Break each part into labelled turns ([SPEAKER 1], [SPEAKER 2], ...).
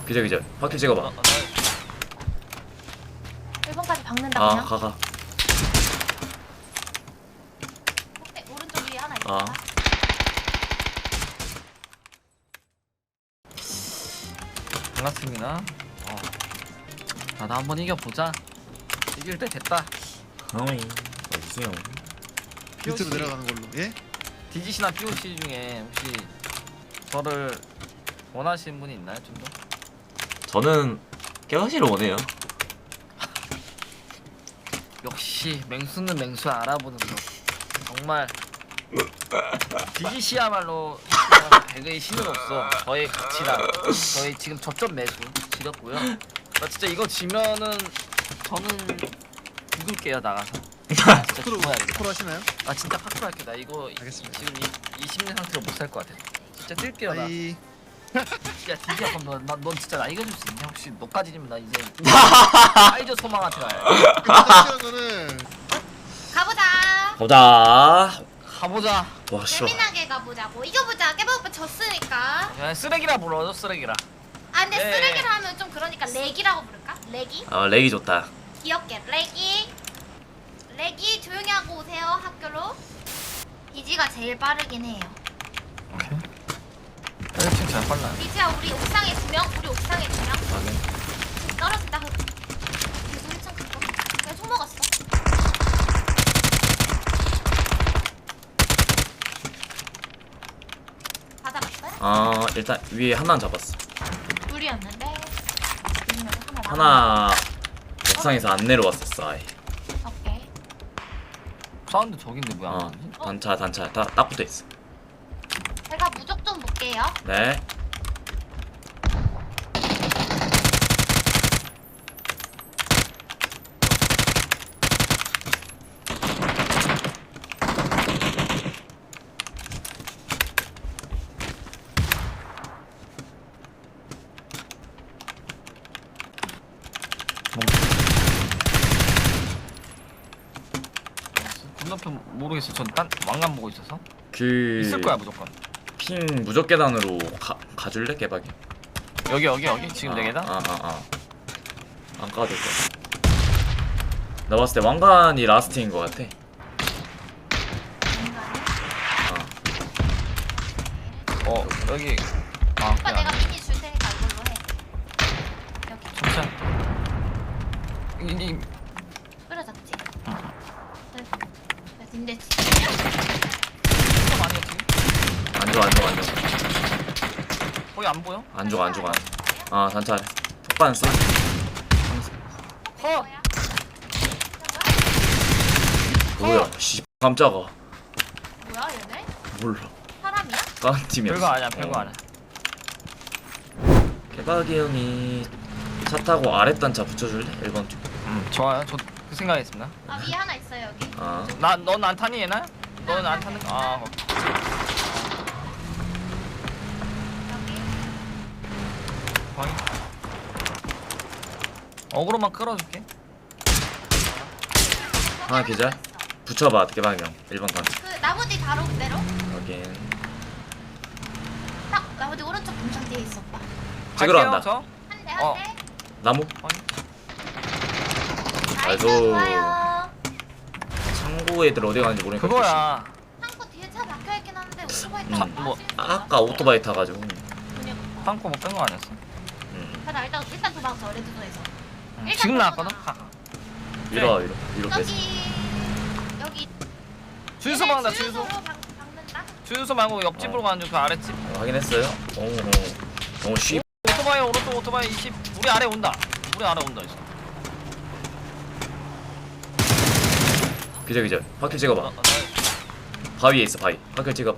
[SPEAKER 1] 기절. 확킬 찍어봐.
[SPEAKER 2] 1번까지 박는다
[SPEAKER 1] 아,
[SPEAKER 2] 그냥.
[SPEAKER 1] 가.
[SPEAKER 2] 오른쪽 위에 하나 있다.
[SPEAKER 1] 아.
[SPEAKER 3] 반갑습니다. 나도 한번 이겨보자. 이길 때 됐다.
[SPEAKER 1] 어이, 어디세요?
[SPEAKER 4] 밑으로 내려가는 걸로. 예?
[SPEAKER 3] 디지시나 POC 중에 혹시 저를 원하시는 분이 있나요? 좀 더?
[SPEAKER 1] 저는 깨어시를 원해요.
[SPEAKER 3] 역시 맹수는 맹수 알아보는 거. 정말 디지시야말로 배그의 신으로서 저의 가치랑 저의 지금 저점 매수 지렸고요. 나 진짜 이거 지면은 저는 죽을게요 나가서. 진짜
[SPEAKER 4] 스크롤
[SPEAKER 3] 죽어야겠다.
[SPEAKER 4] 스크롤 하시나요?
[SPEAKER 3] 아 진짜 파크로 할게. 나 이거
[SPEAKER 4] 알겠습니다.
[SPEAKER 3] 지금 이 심리 상태로 못 살 것 같아. 진짜 뛸게요 나.
[SPEAKER 4] 아이.
[SPEAKER 3] 야 디지야 그럼 넌 진짜 나 이겨줄 수 있냐? 혹시 너까지 지면 나 이제 사이저 소망한테 가야
[SPEAKER 4] 확실한 거는
[SPEAKER 2] 가보자.
[SPEAKER 1] 보자.
[SPEAKER 3] 가보자.
[SPEAKER 1] 와, 씨발.
[SPEAKER 2] 재미나게 가보자고. 이겨보자. 깨박오빠 졌으니까.
[SPEAKER 3] 야 쓰레기라 불러줘 쓰레기라.
[SPEAKER 2] 아 근데
[SPEAKER 3] 네.
[SPEAKER 2] 쓰레기를 하면 좀 그러니까 렉이라고 부를까? 렉이?
[SPEAKER 1] 렉이 좋다.
[SPEAKER 2] 귀엽게 렉이 조용히 하고 오세요 학교로. 디지가 제일 빠르긴 해요.
[SPEAKER 3] 오케이. 지금 잘 빨라.
[SPEAKER 2] 디지야 우리 옥상에 2명, 우리 옥상에 2명.
[SPEAKER 1] 확인.
[SPEAKER 2] 떨어진다. 계속 1층 갔고. 내가 총 먹었어. 받아봤어요?
[SPEAKER 1] 일단 위에 하나는 잡았어.
[SPEAKER 2] 둘이었는데.
[SPEAKER 1] 하나 옥상에서 안 내려왔었어. 아예.
[SPEAKER 2] 오케이.
[SPEAKER 3] 사운드 저긴데 뭐야? 안 나오지?
[SPEAKER 1] 단차 딱 붙어 있어.
[SPEAKER 2] 제가 무적 좀 볼게요.
[SPEAKER 1] 네.
[SPEAKER 3] 건너편 모르겠어. 전 딴 왕관 보고 있어서.
[SPEAKER 1] 그
[SPEAKER 3] 있을 거야 무조건.
[SPEAKER 1] 핑 무적 계단으로 가줄래 깨박이?
[SPEAKER 3] 여기 지금 내 계단?
[SPEAKER 1] 안 까도 될 거야. 나 봤을 때 왕관이 라스트인 것 같아.
[SPEAKER 3] 여기.
[SPEAKER 2] 오빠
[SPEAKER 3] 그래,
[SPEAKER 2] 내가
[SPEAKER 3] 안 돼.
[SPEAKER 2] 미니 줄 테니까 이걸로 해. 여기
[SPEAKER 3] 진짜. 이
[SPEAKER 2] 뿌려졌지? 근데
[SPEAKER 3] 진짜 많이 했지?
[SPEAKER 1] 안 좋아.
[SPEAKER 3] 거의 안 보여?
[SPEAKER 1] 안 좋아. 단차. 폭반 써.
[SPEAKER 3] 컷!
[SPEAKER 1] 뭐야? 씨 깜짝아.
[SPEAKER 2] 뭐야 얘네?
[SPEAKER 1] 몰라.
[SPEAKER 2] 사람이야?
[SPEAKER 1] 다른 팀이었어.
[SPEAKER 3] 별거 아니야 별거 아니야.
[SPEAKER 1] 깨박이 형이 차 타고 아래 단차 붙여줄래? 1번 쪽.
[SPEAKER 3] 좋아요. 저 그 생각했습니다.
[SPEAKER 2] 아 위에 하나 있어요 여기.
[SPEAKER 3] 넌 안 타니 얘나? 넌 안 타는 거?
[SPEAKER 2] 여기.
[SPEAKER 3] 확인. 어그로만 끌어줄게.
[SPEAKER 1] 하나 기절. 붙여봐 깨박이 형. 1번 단차.
[SPEAKER 2] 그 나무 뒤 바로 그대로.
[SPEAKER 1] 확인.
[SPEAKER 2] 딱 나무 뒤 오른쪽 공장 뒤에 있어 오빠.
[SPEAKER 1] 찍으러
[SPEAKER 3] 갈게요,
[SPEAKER 1] 간다.
[SPEAKER 3] 저.
[SPEAKER 2] 한대
[SPEAKER 3] 어.
[SPEAKER 2] 한대.
[SPEAKER 1] 나무.
[SPEAKER 3] 확인.
[SPEAKER 2] 나이스
[SPEAKER 1] 아이고.
[SPEAKER 2] 좋아요.
[SPEAKER 1] 창고 애들 어디 가는지 모르니까.
[SPEAKER 3] 그거야.
[SPEAKER 2] 창고 뒤에 차 막혀있긴 한데 오토바이
[SPEAKER 1] 음.
[SPEAKER 2] 타고
[SPEAKER 3] 뭐,
[SPEAKER 2] 가실 수
[SPEAKER 1] 아까 오토바이 타가지고.
[SPEAKER 3] 땅콩 못 뺀 거 아니었어?
[SPEAKER 2] 나 일단 도망쳐 레드존에서. 일단
[SPEAKER 3] 지금
[SPEAKER 2] 도망쳐.
[SPEAKER 3] 나왔거든? 가.
[SPEAKER 1] 위로 뺐어.
[SPEAKER 2] 여기
[SPEAKER 3] 주유소 막는다
[SPEAKER 2] 주유소로
[SPEAKER 3] 주유소.
[SPEAKER 2] 박는다.
[SPEAKER 3] 주유소 말고 옆집으로 가는 중 그 아랫집.
[SPEAKER 1] 확인했어요. 쉬.
[SPEAKER 3] 오토바이 오른쪽 오토바이 20. 우리 아래 온다. 이제.
[SPEAKER 1] 기절. 확킬 찍어봐.
[SPEAKER 3] 나-
[SPEAKER 1] 바위에 있어 바위. 확킬 찍어.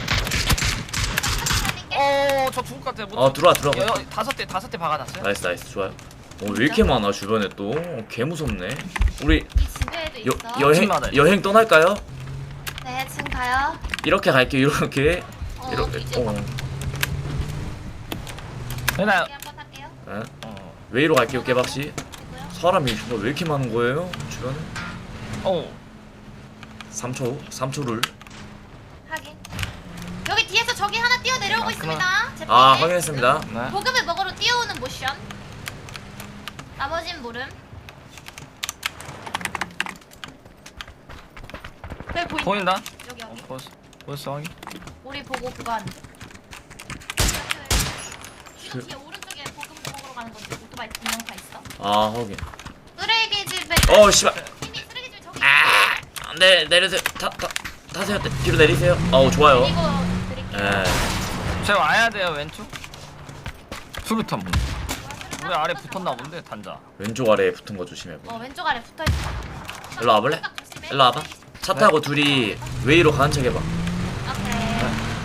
[SPEAKER 3] 저 죽을 것 같아.
[SPEAKER 1] 들어와.
[SPEAKER 3] 다섯 대 박아놨어요.
[SPEAKER 1] 나이스 좋아요. 왜 이렇게 많아 주변에 또. 개 무섭네. 우리
[SPEAKER 2] 이 집에도 있어.
[SPEAKER 3] 집마다 있어.
[SPEAKER 1] 여행 떠날까요?
[SPEAKER 2] 네 지금 가요.
[SPEAKER 1] 이렇게 갈게요. 이렇게.
[SPEAKER 2] 뒤집어.
[SPEAKER 3] 얘나.
[SPEAKER 2] 여기 한번 할게요.
[SPEAKER 1] 웨이로 갈게요 깨박씨.
[SPEAKER 2] 그리고요.
[SPEAKER 1] 사람이 왜 이렇게 많은 거예요 주변에? 3초를.
[SPEAKER 2] 확인. 여기 뒤에서 저기 하나 뛰어 내려오고
[SPEAKER 3] 그만.
[SPEAKER 2] 있습니다. 제
[SPEAKER 1] 아
[SPEAKER 2] 벽에.
[SPEAKER 1] 확인했습니다.
[SPEAKER 3] 네.
[SPEAKER 2] 보급을 먹으러 뛰어오는 모션. 나머진 모름. 여기 보인다.
[SPEAKER 3] 보인다?
[SPEAKER 2] 여기 여기.
[SPEAKER 3] 보였어 확인.
[SPEAKER 2] 우리 보고 그거 하는. 이거 뒤에 오른쪽에 보금 먹으러 가는 건데 오토바이 두 명 다 있어.
[SPEAKER 1] 아 확인.
[SPEAKER 2] 쓰레기 집에.
[SPEAKER 1] 씨발.
[SPEAKER 2] 이미 쓰레기 집 저기.
[SPEAKER 1] 네 내리세요. 타세요. 뒤로 내리세요. 좋아요.
[SPEAKER 2] 이거 드릴게요.
[SPEAKER 1] 예.
[SPEAKER 3] 쟤 와야 돼요 왼쪽. 수류탄 문. 우리 아래 붙었나 본데 단자.
[SPEAKER 1] 왼쪽 아래에 붙은 거 조심해.
[SPEAKER 2] 왼쪽 아래 붙어 있어.
[SPEAKER 1] 일로 와볼래? 일로 와봐. 차 타고 둘이 웨이로 가는 척 해봐.
[SPEAKER 2] 오케이.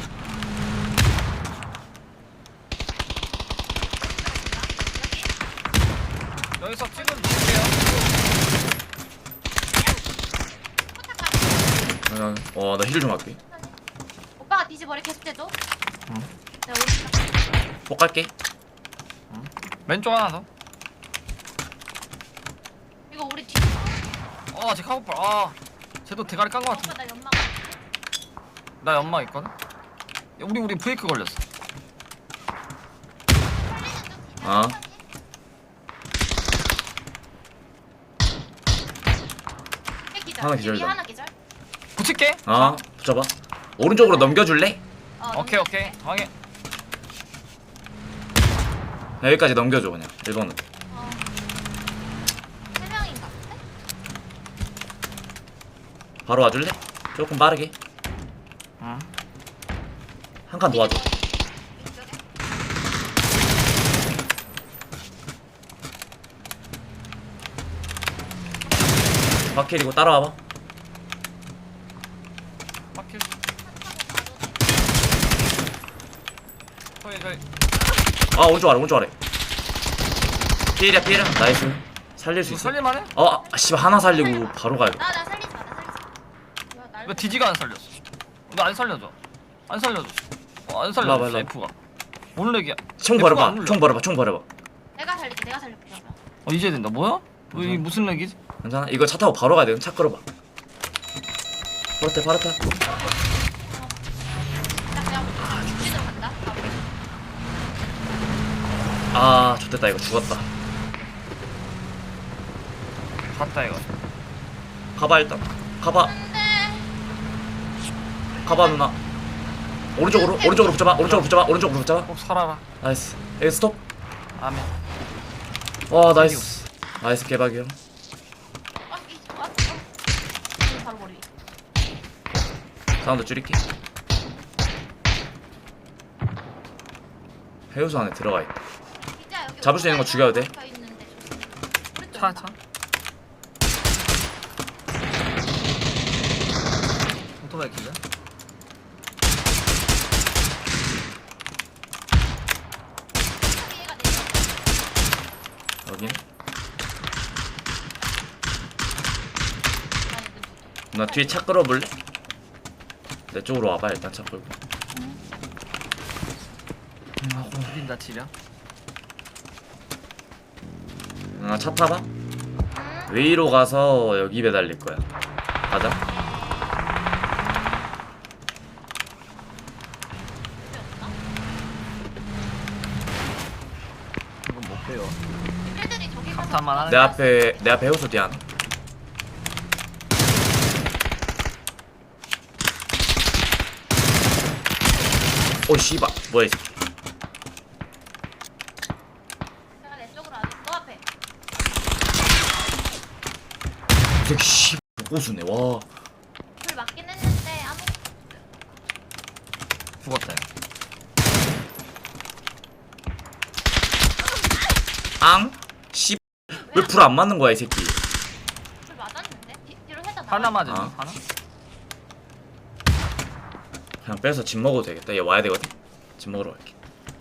[SPEAKER 3] 여기서 찍은 줄게요.
[SPEAKER 1] 나 힐 좀 할게.
[SPEAKER 2] 오빠가 뒤집어리 계속 대줘.
[SPEAKER 3] 응.
[SPEAKER 2] 내가 오른쪽.
[SPEAKER 1] 폭 갈게.
[SPEAKER 3] 왼쪽 하나 더.
[SPEAKER 2] 이거 우리 뒤.
[SPEAKER 3] 쟤 카고팔. 쟤도 대가리 깐 거
[SPEAKER 2] 오빠
[SPEAKER 3] 같은데.
[SPEAKER 2] 나 연막.
[SPEAKER 3] 나 연막 있거든. 야, 우리 브레이크 걸렸어.
[SPEAKER 1] 아. 하나 기절이다.
[SPEAKER 2] 하나 기절.
[SPEAKER 3] 붙일게.
[SPEAKER 1] 붙여봐. 오른쪽으로 넘겨줄래?
[SPEAKER 3] 오케이 확인.
[SPEAKER 1] 여기까지 넘겨줘 그냥. 1번은.
[SPEAKER 2] 세 명인가 본데?
[SPEAKER 1] 바로 와줄래? 조금 빠르게.
[SPEAKER 3] 응.
[SPEAKER 1] 한 칸 도와줘.
[SPEAKER 2] 이쪽에.
[SPEAKER 1] 바퀴리고 따라와봐.
[SPEAKER 3] 바퀴. 저기.
[SPEAKER 1] 오른쪽 아래. 피해야. 나이스. 살릴 수
[SPEAKER 3] 이거
[SPEAKER 1] 있어.
[SPEAKER 3] 살릴만해?
[SPEAKER 1] 씨발 하나 살리고 바로 가야 돼.
[SPEAKER 2] 나 살리지 마. 뭐야, 날
[SPEAKER 3] 왜 디지가 안 살렸어? 너 안 살려줘. 안 살려줘. 안
[SPEAKER 1] 일로
[SPEAKER 3] 살려줘.
[SPEAKER 1] 와봐.
[SPEAKER 3] F가. 몰래기야.
[SPEAKER 1] 총
[SPEAKER 3] F가 안
[SPEAKER 1] 버려봐.
[SPEAKER 3] 눌려.
[SPEAKER 1] 총 버려봐.
[SPEAKER 2] 내가 살릴게. 이러면.
[SPEAKER 3] 이제 된다. 뭐야? 왜 무슨 렉이지?
[SPEAKER 1] 괜찮아? 이거 차 타고 바로 가야 돼. 차 끌어봐. 바로 타.
[SPEAKER 2] 나 그냥 죽지도 간다.
[SPEAKER 1] 좋됐다. 이거 죽었다.
[SPEAKER 3] 갔다 이거.
[SPEAKER 1] 가봐 일단. 가봐 누나. 오른쪽으로 붙잡아.
[SPEAKER 3] 꼭 살아라.
[SPEAKER 1] 나이스. 여기 스톱.
[SPEAKER 3] 아멘.
[SPEAKER 1] 와 나이스. 나이스 개박이요.
[SPEAKER 2] 바로 머리.
[SPEAKER 1] 사운드 줄일게. 해우소 안에 들어가 있다.
[SPEAKER 2] 진짜 여기
[SPEAKER 1] 잡을 수 있는 거 죽여도 돼?
[SPEAKER 2] 붙어 있는데 조심.
[SPEAKER 3] 차. 오토바이 기자.
[SPEAKER 2] 얘가 내려.
[SPEAKER 1] 여긴. 누나 뒤에 차 끌어볼래? 내 쪽으로 와봐 일단 차 끌고.
[SPEAKER 3] 우린 치려.
[SPEAKER 1] 누나 차 타봐. 웨이로 가서 여기 매달릴 거야. 가자.
[SPEAKER 3] 이건 못 빼요.
[SPEAKER 2] 애들이 저기 가서
[SPEAKER 3] 감탄만 하는.
[SPEAKER 1] 내 앞에 해우소 뒤 하나. 씨발 뭐야 이 새끼.
[SPEAKER 2] 내가 내 쪽으로 안 해. 너 앞에.
[SPEAKER 1] 이 새끼 씨 고수네. 와.
[SPEAKER 2] 불 맞긴 했는데 아무.
[SPEAKER 3] 죽었다.
[SPEAKER 1] 앙? 씨. 왜 불 안 맞는 거야 이 새끼.
[SPEAKER 2] 불 맞았는데? 뒤로 살짝
[SPEAKER 3] 하나
[SPEAKER 2] 나와.
[SPEAKER 3] 맞으니 하나?
[SPEAKER 1] 그냥 빼서 집 먹어도 되겠다. 얘 와야 되거든. 집 먹으러 갈게.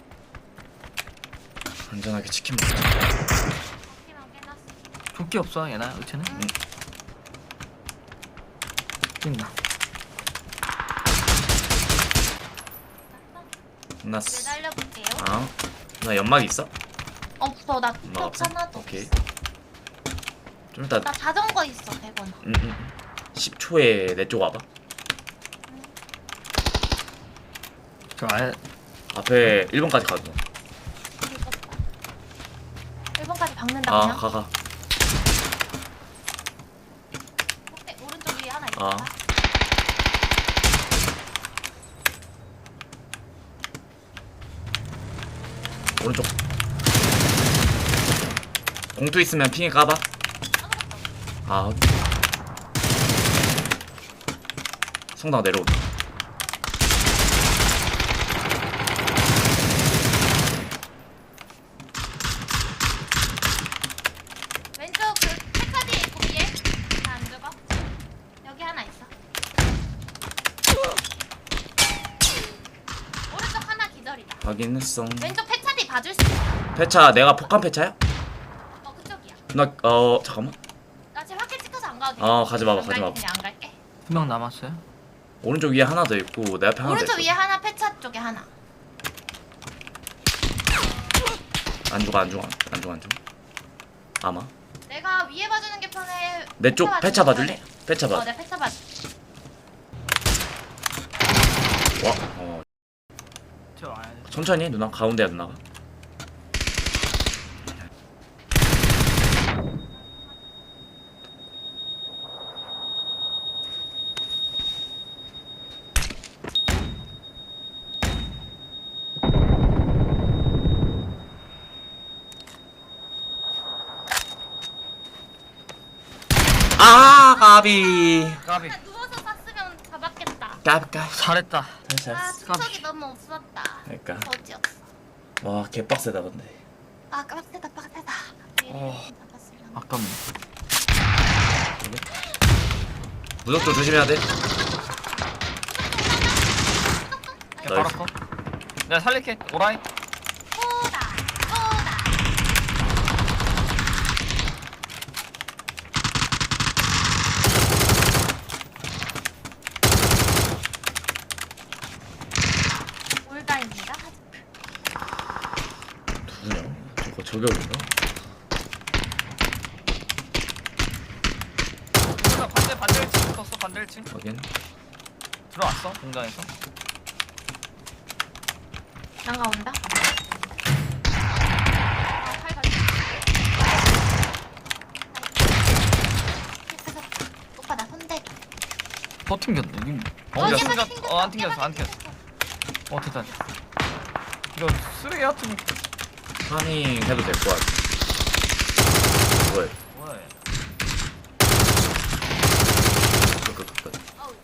[SPEAKER 1] 안전하게 치킨 먹자.
[SPEAKER 2] 바퀴만 깨놨어.
[SPEAKER 3] 조끼 없어 얘나 의체는? 뛴다.
[SPEAKER 1] 끝났어.
[SPEAKER 2] 매달려볼게요.
[SPEAKER 1] 나 연막 있어?
[SPEAKER 2] 무서워. 나
[SPEAKER 1] 연막
[SPEAKER 2] 톡
[SPEAKER 1] 없어?
[SPEAKER 2] 하나도
[SPEAKER 1] 오케이.
[SPEAKER 2] 없어.
[SPEAKER 1] 좀 이따
[SPEAKER 2] 나 자전거 있어 100원.
[SPEAKER 1] 10초에 내 쪽 와봐.
[SPEAKER 3] 저 아예
[SPEAKER 1] 앞에 1번까지 가줘.
[SPEAKER 2] 긁었다. 1번까지 박는다
[SPEAKER 1] 아
[SPEAKER 2] 그냥.
[SPEAKER 1] 가가.
[SPEAKER 2] 네, 오른쪽 위에 하나 있다.
[SPEAKER 1] 아. 오른쪽. 공투 있으면 핑에 까봐. 아. 성당 내려온다.
[SPEAKER 2] 왼쪽 그 책가디 있고 위에 다안 죽어. 여기 하나 있어. 오른쪽 하나 기절이다.
[SPEAKER 1] 확인했어.
[SPEAKER 2] 왼쪽 폐차디 봐줄 수 있어.
[SPEAKER 1] 폐차 내가 폭탄 폐차야?
[SPEAKER 2] 그쪽이야.
[SPEAKER 1] 나 잠깐만.
[SPEAKER 2] 나 지금 학교 찍혀서 안 가도 돼.
[SPEAKER 1] 가지 마봐, 가지 마봐.
[SPEAKER 2] 그냥 안 갈게.
[SPEAKER 3] 한 명 남았어요.
[SPEAKER 1] 오른쪽 위에 하나 더 있고 내 앞에 하나 더
[SPEAKER 2] 오른쪽
[SPEAKER 1] 있어.
[SPEAKER 2] 위에 하나 폐차 쪽에 하나.
[SPEAKER 1] 안 죽어. 아마.
[SPEAKER 2] 내가 위에 봐주는 게 편해.
[SPEAKER 1] 내 쪽 폐차
[SPEAKER 2] 봐주는 게
[SPEAKER 1] 봐줄래? 폐차 봐.
[SPEAKER 2] 편해. 내 폐차 봐줘.
[SPEAKER 1] 와.
[SPEAKER 3] 저 와야 돼.
[SPEAKER 1] 천천히 누나 가운데야 누나가. 아 까비.
[SPEAKER 3] 까비.
[SPEAKER 2] 나 누워서 쐈으면 잡았겠다.
[SPEAKER 1] 까비.
[SPEAKER 3] 잘했다.
[SPEAKER 2] 아,
[SPEAKER 1] 잘했어.
[SPEAKER 2] 투척이 너무 없었다.
[SPEAKER 1] 그러니까.
[SPEAKER 2] 어지였어.
[SPEAKER 1] 와 개빡세다 근데.
[SPEAKER 2] 아, 빡세다. 잡았으면.
[SPEAKER 3] 아깝네.
[SPEAKER 1] 무적도 조심해야 돼.
[SPEAKER 3] 야, 바로
[SPEAKER 1] 나이스.
[SPEAKER 3] 컷. 내가 살릴게. 오라이.
[SPEAKER 2] 쏘다. 올다입니다.
[SPEAKER 1] 누구냐? 저거 저격인가?
[SPEAKER 3] 반대 1층 붙었어. 반대 1층.
[SPEAKER 1] 확인.
[SPEAKER 3] 들어왔어. 공장에서.
[SPEAKER 2] 난가 온다. 오빠 나 손대줘.
[SPEAKER 3] 더 튕겼네. 안 튕겼어. 됐다. 이거 쓰레기 같은
[SPEAKER 1] 파밍 해도 될 것 같아. 뭐야?
[SPEAKER 3] 뭐야?
[SPEAKER 1] 끝.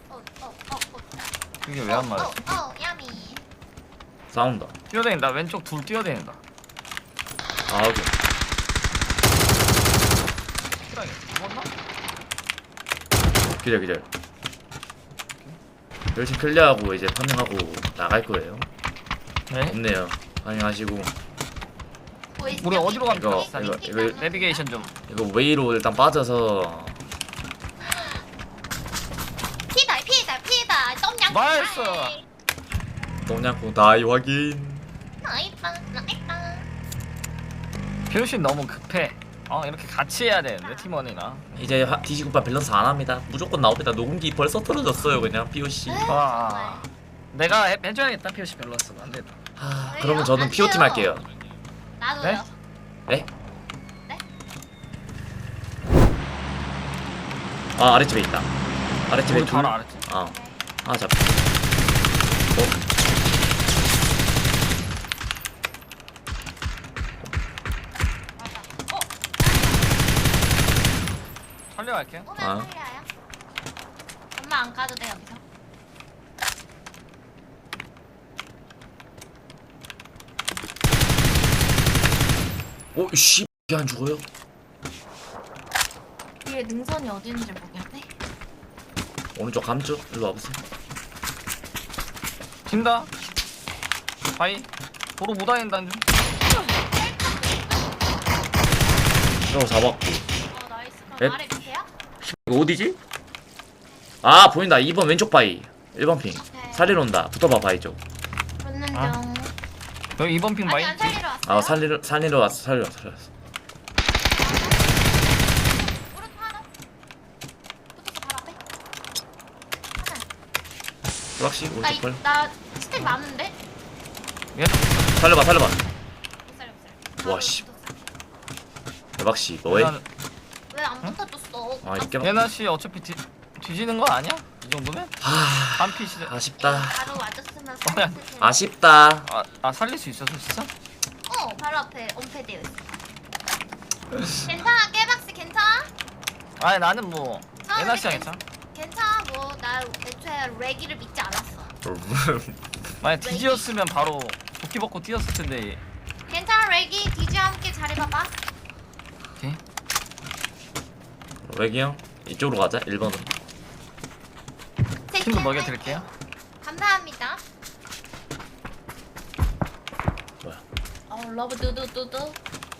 [SPEAKER 3] 이게 왜 안 맞았어?
[SPEAKER 2] 야미.
[SPEAKER 1] 싸운다.
[SPEAKER 3] 뛰어다닌다. 왼쪽 둘 뛰어다닌다.
[SPEAKER 1] 아 여기.
[SPEAKER 3] 시간이 죽었나?
[SPEAKER 1] 기절. 열심히 클리어하고 이제 파밍하고 나갈 거예요.
[SPEAKER 3] 네.
[SPEAKER 1] 없네요. 파밍하시고
[SPEAKER 3] 우리 어디로 가면
[SPEAKER 1] 이거,
[SPEAKER 3] 좋아?
[SPEAKER 1] 이거.
[SPEAKER 3] 내비게이션 좀.
[SPEAKER 1] 이거 웨이로 일단 빠져서
[SPEAKER 2] 피다. 똠양.
[SPEAKER 3] 나이스.
[SPEAKER 1] 똥냥고 다이 확인.
[SPEAKER 2] 나이다.
[SPEAKER 3] 표시 너무 급해. 이렇게 같이 해야 되는데 팀원이나.
[SPEAKER 1] 이제 디지구파 밸런스 안 합니다. 무조건 나옵니다. 녹음기 벌써 떨어졌어요 그냥 POC.
[SPEAKER 3] 와. 내가 해줘야겠다. 표시 밸런스가 안 된다.
[SPEAKER 1] 그러면 저는 PO팀 할게요.
[SPEAKER 2] 나도요.
[SPEAKER 1] 네?
[SPEAKER 2] 네?
[SPEAKER 1] 아 아랫집에 있다. 아랫집에
[SPEAKER 3] 우리
[SPEAKER 1] 둘.
[SPEAKER 3] 바로 알았지.
[SPEAKER 1] 잡.
[SPEAKER 3] 살려갈게.
[SPEAKER 2] 오면
[SPEAKER 1] 아.
[SPEAKER 2] 살려요. 엄마 안 가도 돼 여기서.
[SPEAKER 1] 씨, 이게 안 죽어요?
[SPEAKER 2] 뒤에 능선이 어디 있는지 모르겠네.
[SPEAKER 1] 오른쪽 감쪽 일로 와보세요.
[SPEAKER 3] 튄다. 바이. 도로 못 다닌다는 중.
[SPEAKER 1] 저거 잡았고.
[SPEAKER 2] 나이스.
[SPEAKER 1] 넷.
[SPEAKER 2] 그럼 아래 밑에야?
[SPEAKER 1] 이거 어디지? 아 보인다. 2번 왼쪽 바위. 1번 핑.
[SPEAKER 2] 오케이.
[SPEAKER 1] 살리러 온다. 붙어봐 바위 쪽.
[SPEAKER 2] 붙는
[SPEAKER 3] 아.
[SPEAKER 2] 중.
[SPEAKER 3] 여기 2번 핑 바이.
[SPEAKER 2] 아니 안 살리러 왔어요?
[SPEAKER 1] 살리러 왔어. 살리러 왔어.
[SPEAKER 2] 오른쪽 하나. 붙어서 바로 앞에. 하나.
[SPEAKER 1] 불확시 오른쪽 걸.
[SPEAKER 2] 나 스택 많은데?
[SPEAKER 3] 얘도
[SPEAKER 1] 살려봐.
[SPEAKER 2] 못 살려.
[SPEAKER 1] 와, 씨. 대박씨 뭐해?
[SPEAKER 2] 왜 안 붙어줬어?
[SPEAKER 1] 아 이렇게
[SPEAKER 3] 예나씨 어차피 뒤지는 거 아니야? 이 정도면?
[SPEAKER 1] 하...
[SPEAKER 3] 한 피시.
[SPEAKER 1] 아쉽다.
[SPEAKER 2] 바로 와줬으면
[SPEAKER 3] 뭐야?
[SPEAKER 2] 살렸을 텐데.
[SPEAKER 1] 아쉽다.
[SPEAKER 3] 살릴 수 있었어 진짜?
[SPEAKER 2] 바로 앞에 엄폐되어 있어. 괜찮아, 깨박씨 괜찮아?
[SPEAKER 3] 아니 나는 뭐
[SPEAKER 2] 아,
[SPEAKER 3] 예나씨야
[SPEAKER 2] 근데
[SPEAKER 3] 괜찮아?
[SPEAKER 2] 괜찮아, 뭐 나 애초에 레기를 믿지 않았어.
[SPEAKER 3] 만약 뒤지었으면 바로 도끼 벗고 뛰었을 텐데.
[SPEAKER 2] 괜찮아, 레기 디지와 함께 잘해봐봐.
[SPEAKER 3] 오케이.
[SPEAKER 1] 외기 형 이쪽으로 가자 1번으로.
[SPEAKER 3] 친구 먹여드릴게요.
[SPEAKER 2] 감사합니다.
[SPEAKER 1] 뭐야?
[SPEAKER 2] 러브 두두두두.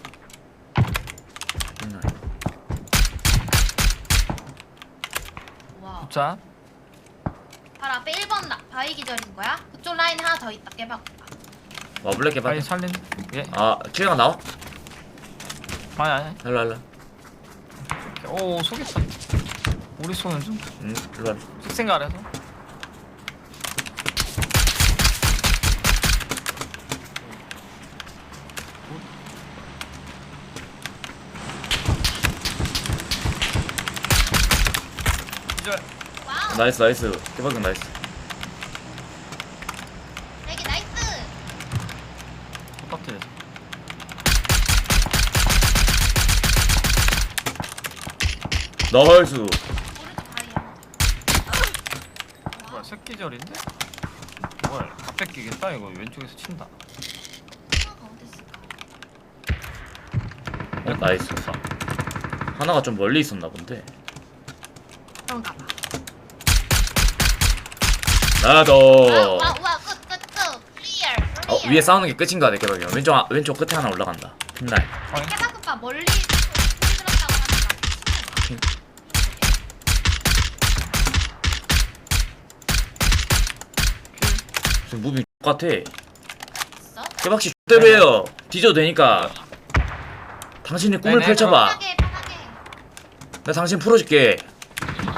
[SPEAKER 2] 와.
[SPEAKER 3] 자,
[SPEAKER 2] 바로 앞에 1번 바위 기절인 거야? 그쪽 라인 하나 더 있다. 깨봐.
[SPEAKER 1] 와 블랙 개발.
[SPEAKER 3] 빨리 살린. 예.
[SPEAKER 1] 아 킬가 나와?
[SPEAKER 3] 아니.
[SPEAKER 1] 일로 일로.
[SPEAKER 3] 오 속였어. 우리 손은 좀
[SPEAKER 1] 일로 일로.
[SPEAKER 3] 식생각해서. 기절.
[SPEAKER 2] 와우.
[SPEAKER 1] 나이스 나이스. 개박은 나이스.
[SPEAKER 2] 레기 나이스.
[SPEAKER 3] 똑같아.
[SPEAKER 1] 나이스.
[SPEAKER 2] 오른쪽 바위야.
[SPEAKER 3] 뭐야 새끼절인데? 뭘 다 뺏기겠다 이거 왼쪽에서 친다.
[SPEAKER 2] 하나가 어디 있을까?
[SPEAKER 1] 나이스. 하나가 좀 멀리 있었나 본데.
[SPEAKER 2] 그런가 봐.
[SPEAKER 1] 나도.
[SPEAKER 2] 와, 끝. 클리어.
[SPEAKER 1] 위에 싸우는 게 끝인 거 같아 개박이 형. 왼쪽 끝에 하나 올라간다. 핀날.
[SPEAKER 2] 깨박 오빠 멀리 들었다고 하니까.
[SPEAKER 1] 지금 무빙 똑같아.
[SPEAKER 2] 있어?
[SPEAKER 1] 개박씨 X대로 해요. 뒤져도 되니까. 당신의 꿈을
[SPEAKER 3] 네네,
[SPEAKER 1] 펼쳐봐.
[SPEAKER 2] 편하게.
[SPEAKER 1] 나 당신 풀어줄게.
[SPEAKER 2] 깨박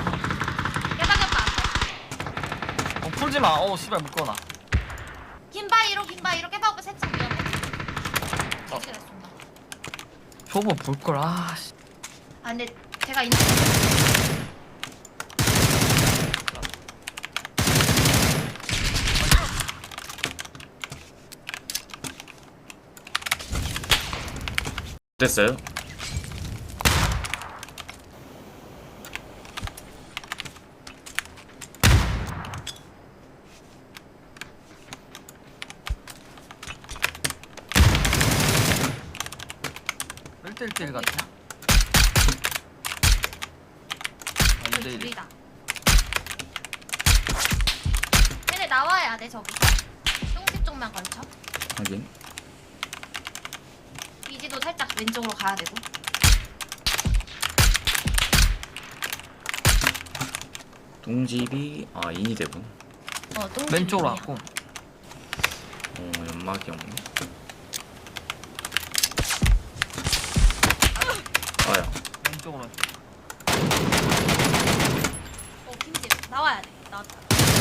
[SPEAKER 2] 오빠 앞에.
[SPEAKER 3] 풀지 마. 씨발 묶어놔.
[SPEAKER 2] 긴 바위로 깨박 오빠 세차 위험해.
[SPEAKER 3] 저거 볼 걸. 씨.
[SPEAKER 2] 아 근데 제가 있는
[SPEAKER 1] 됐어요?
[SPEAKER 3] 일대일 같아.
[SPEAKER 2] 그 둘이다. 얘네 나와야 돼 저기서. 똥집 쪽만 걸쳐.
[SPEAKER 1] 확인.
[SPEAKER 2] 비지도 살짝 왼쪽으로 가야 되고.
[SPEAKER 1] 동집이 인이 되고.
[SPEAKER 2] 똥집
[SPEAKER 3] 왼쪽으로
[SPEAKER 2] 위야.
[SPEAKER 3] 왔고.
[SPEAKER 1] 연막이 없네. 아야.
[SPEAKER 3] 왼쪽으로.
[SPEAKER 2] 김집 나와야 돼. 나왔다.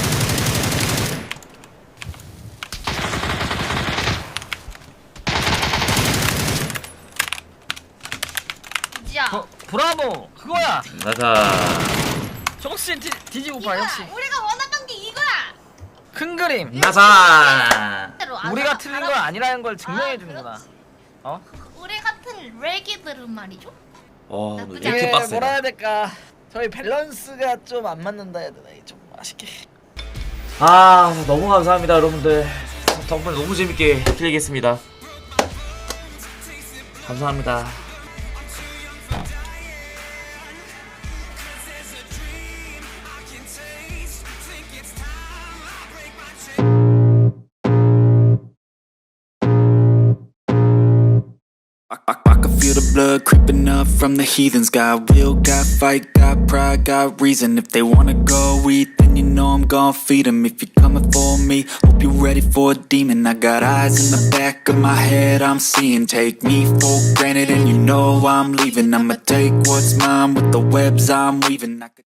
[SPEAKER 2] 비지야.
[SPEAKER 3] 브라보 그거야.
[SPEAKER 1] 나가.
[SPEAKER 3] 정신 뒤지고 봐
[SPEAKER 2] 이거야.
[SPEAKER 3] 역시.
[SPEAKER 2] 우리가 원하던 게 이거야.
[SPEAKER 3] 큰 그림.
[SPEAKER 1] 나가.
[SPEAKER 3] 우리가 틀린 건 아니라는 걸 증명해 주는구나.
[SPEAKER 2] 그렇지.
[SPEAKER 3] 어?
[SPEAKER 2] 우리 같은 레기들은 말이죠.
[SPEAKER 1] 너
[SPEAKER 2] 나쁘지
[SPEAKER 1] 이렇게
[SPEAKER 2] 않아.
[SPEAKER 1] 빡세.
[SPEAKER 3] 뭐라 해야 될까? 저희 밸런스가 좀 안 맞는다 해야 되나? 좀 아쉽게.
[SPEAKER 1] 너무 감사합니다 여러분들. 덕분에 너무 재밌게 플레이했습니다. 감사합니다.
[SPEAKER 5] I can feel the blood creeping up from the heathens. Got will, got fight, got pride, got reason. If they wanna go eat, then you know I'm gon' feed them. If you're coming for me, hope you're ready for a demon. I got eyes in the back of my head, I'm seeing. Take me for granted and you know I'm leaving. I'ma take what's mine with the webs I'm weaving.